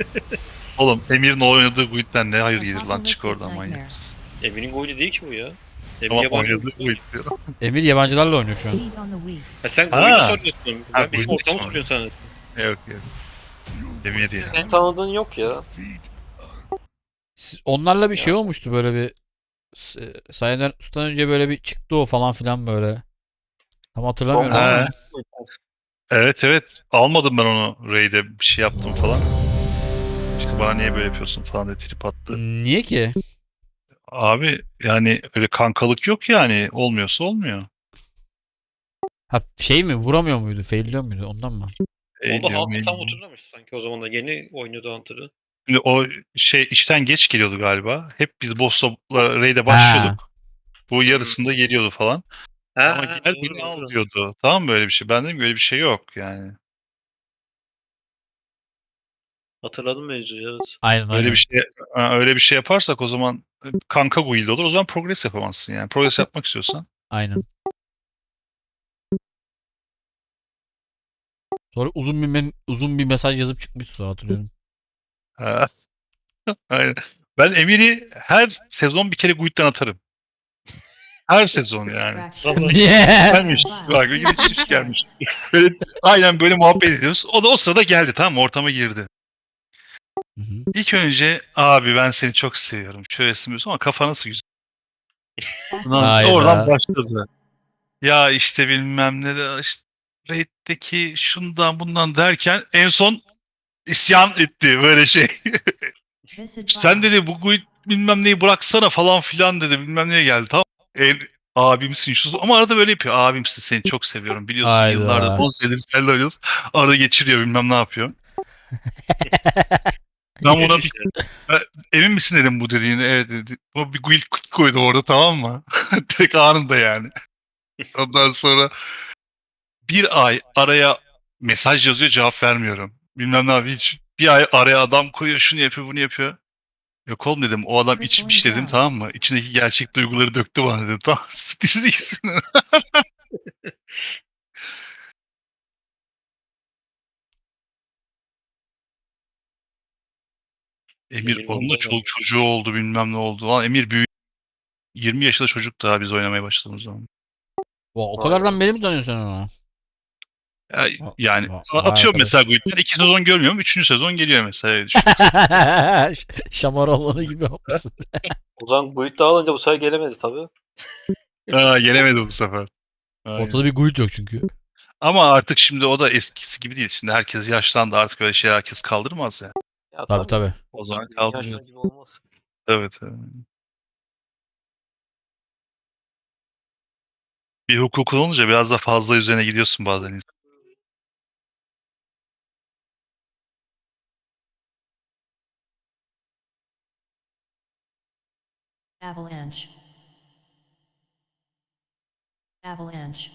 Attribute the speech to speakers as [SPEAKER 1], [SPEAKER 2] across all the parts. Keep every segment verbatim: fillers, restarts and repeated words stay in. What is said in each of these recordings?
[SPEAKER 1] Oğlum Emir'in oynadığı guild'den ne hayır gelir lan, çık oradan manyak mısın?
[SPEAKER 2] Emir'in golü değil ki bu ya. Emir
[SPEAKER 1] Ama
[SPEAKER 2] yabancı
[SPEAKER 1] oynadığı
[SPEAKER 2] oyuncu.
[SPEAKER 1] guild diyor.
[SPEAKER 3] Emir yabancılarla oynuyor şu an.
[SPEAKER 2] Ha sen golü
[SPEAKER 1] Ha.
[SPEAKER 2] soruyorsun.
[SPEAKER 1] Ha,
[SPEAKER 2] Ben bizim
[SPEAKER 1] golü
[SPEAKER 2] ortamı
[SPEAKER 1] soruyor.
[SPEAKER 2] soruyorsun sana.
[SPEAKER 1] Yok yok. Emir ya.
[SPEAKER 4] Senin tanıdığın yok ya.
[SPEAKER 3] Siz- Onlarla bir şey
[SPEAKER 4] Ya.
[SPEAKER 3] olmuştu böyle bir S- Sayın Ertuğrul'dan önce böyle bir çıktı o falan filan böyle. Tam hatırlamıyorum
[SPEAKER 1] Ha.
[SPEAKER 3] ama.
[SPEAKER 1] Evet evet. Almadım ben onu raid'e, bir şey yaptım falan. İşte bana niye böyle yapıyorsun falan diye trip attı.
[SPEAKER 3] Niye ki?
[SPEAKER 1] Abi yani öyle kankalık yok yani. Olmuyorsa olmuyor.
[SPEAKER 3] Ha şey mi vuramıyor muydu? Failliyor muydu? Ondan mı?
[SPEAKER 1] E
[SPEAKER 2] Onda
[SPEAKER 1] diyorum,
[SPEAKER 2] Hunter
[SPEAKER 1] e
[SPEAKER 2] tam
[SPEAKER 1] diyorum.
[SPEAKER 2] oturmamış sanki o zaman da yeni oynuyordu Hunter'ı.
[SPEAKER 1] Şimdi o şey işten geç geliyordu galiba. Hep biz boss'la raid'e
[SPEAKER 3] Ha.
[SPEAKER 1] başlıyorduk. Bu
[SPEAKER 2] Hmm.
[SPEAKER 1] yarısında geliyordu falan.
[SPEAKER 2] Ha,
[SPEAKER 1] Ama
[SPEAKER 2] ha
[SPEAKER 1] gel
[SPEAKER 2] doğru
[SPEAKER 1] beni al
[SPEAKER 2] doğru.
[SPEAKER 1] diyordu. Tamam mı, böyle bir şey? Ben dedim ki öyle bir şey yok yani.
[SPEAKER 2] Hatırladım mevzuyu evet.
[SPEAKER 3] Aynen
[SPEAKER 1] Öyle bir
[SPEAKER 3] aynen.
[SPEAKER 1] şey ha, öyle bir şey yaparsak o zaman kanka guild olur. O zaman progress yapamazsın yani. Progress yapmak istiyorsan.
[SPEAKER 3] Aynen. Sonra uzun bir men- uzun bir mesaj yazıp çıkmıştı sonra hatırlıyorum.
[SPEAKER 1] Ha, aynen. Ben Emir'i her sezon bir kere guild'den atarım. Her sezon yani.
[SPEAKER 2] Vallahi
[SPEAKER 3] Niye?
[SPEAKER 1] Gelmiş. Bak gidip gelmiş. Böyle, aynen böyle muhabbet ediyoruz. O da o sırada geldi, tamam mı? Ortama girdi.
[SPEAKER 3] Hı hı.
[SPEAKER 1] İlk önce abi ben seni çok seviyorum. Şöyle sınıyorsun ama kafa nasıl güzel. Ondan- Oradan
[SPEAKER 3] Hayda.
[SPEAKER 1] başladı. Ya işte bilmem ne de işte Raid'deki şundan bundan derken en son isyan etti böyle şey. Sen dedi bu guild bilmem neyi bıraksana falan filan dedi, bilmem neye geldi, tamam. El, abimsin şu ama arada böyle yapıyor. Abimsin, seni çok seviyorum. Biliyorsun yıllardır
[SPEAKER 3] Hayda.
[SPEAKER 1] on senedir seninle oynuyoruz. Arada geçiriyor, bilmem ne yapıyor. Ben buna bir
[SPEAKER 2] işte.
[SPEAKER 1] "E, emin misin dedim bu dediğini. Evet dedi. Buna bir guild koydu orada, tamam mı? Direkt anında yani. Ondan sonra bir ay araya mesaj yazıyor, cevap vermiyorum. Bilmem ne abi, hiç. Bir ay araya adam koyuyor, şunu yapıyor bunu yapıyor. Yok oğlum dedim, o adam içmiş dedim, tamam mı? İçindeki gerçek duyguları döktü bana dedim. Tamam sıkıcı değilsin. Emir
[SPEAKER 2] Emir
[SPEAKER 1] onun da
[SPEAKER 2] vallahi
[SPEAKER 1] çoluk
[SPEAKER 2] vallahi.
[SPEAKER 1] çocuğu oldu, bilmem ne oldu. Lan Emir büyük. yirmi yaşında çocuk daha biz oynamaya başladığımız zaman.
[SPEAKER 3] O, o
[SPEAKER 4] Vay be.
[SPEAKER 3] kadardan beri mi tanıyorsun sen onu?
[SPEAKER 1] Ya,
[SPEAKER 3] Va-
[SPEAKER 1] yani
[SPEAKER 3] va-
[SPEAKER 1] a-
[SPEAKER 3] Vay
[SPEAKER 1] atıyorum mesela
[SPEAKER 3] arkadaş.
[SPEAKER 1] Guild'den iki sezon görmüyorum. Üçüncü sezon geliyor mesela, öyle düşün.
[SPEAKER 3] Şamar gibi yapmışsın.
[SPEAKER 4] O zaman Guild dağılınca bu sefer gelemedi tabii.
[SPEAKER 1] Aa, yenemedi bu sefer.
[SPEAKER 3] Ortada
[SPEAKER 1] Aynen.
[SPEAKER 3] bir guild yok çünkü.
[SPEAKER 1] Ama artık şimdi o da eskisi gibi değil. Şimdi herkes yaşlandı, artık öyle şey herkes kaldırmaz ya.
[SPEAKER 4] Ya
[SPEAKER 3] Tabii
[SPEAKER 4] tabii.
[SPEAKER 3] tabii.
[SPEAKER 1] O zaman
[SPEAKER 4] Bizim
[SPEAKER 1] kaldırıyor.
[SPEAKER 4] yaşlar gibi olmaz.
[SPEAKER 1] Evet, evet. Bir hukukun olunca biraz da fazla üzerine gidiyorsun bazen.
[SPEAKER 5] Avalanche. Avalanche.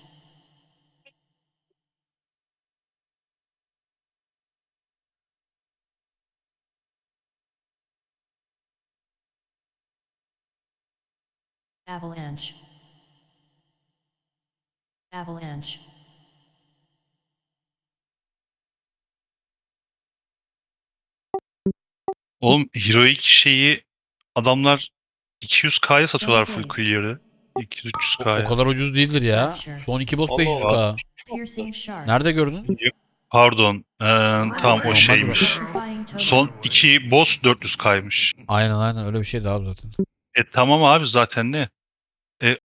[SPEAKER 5] Avalanche. Avalanche.
[SPEAKER 1] Oğlum heroic şeyi adamlar iki yüz K'ya satıyorlar full
[SPEAKER 5] Showcase.
[SPEAKER 1] clear'ı.
[SPEAKER 3] O, o
[SPEAKER 1] iki yüz üç yüz K'ya.
[SPEAKER 3] kadar ucuz değildir ya.
[SPEAKER 5] Rapture.
[SPEAKER 3] Son iki boss
[SPEAKER 4] Allah Allah.
[SPEAKER 1] Aa,
[SPEAKER 3] beş yüz k.
[SPEAKER 5] Piercing shards.
[SPEAKER 3] Nerede gördün?
[SPEAKER 1] pardon. Ee, tamam o
[SPEAKER 3] Normaldir o.
[SPEAKER 1] şeymiş.
[SPEAKER 5] Electrifying
[SPEAKER 1] Son
[SPEAKER 5] totem.
[SPEAKER 1] iki boss dört yüz K'ymış.
[SPEAKER 3] Aynen aynen öyle bir şeydi abi zaten.
[SPEAKER 1] E tamam abi zaten ne? E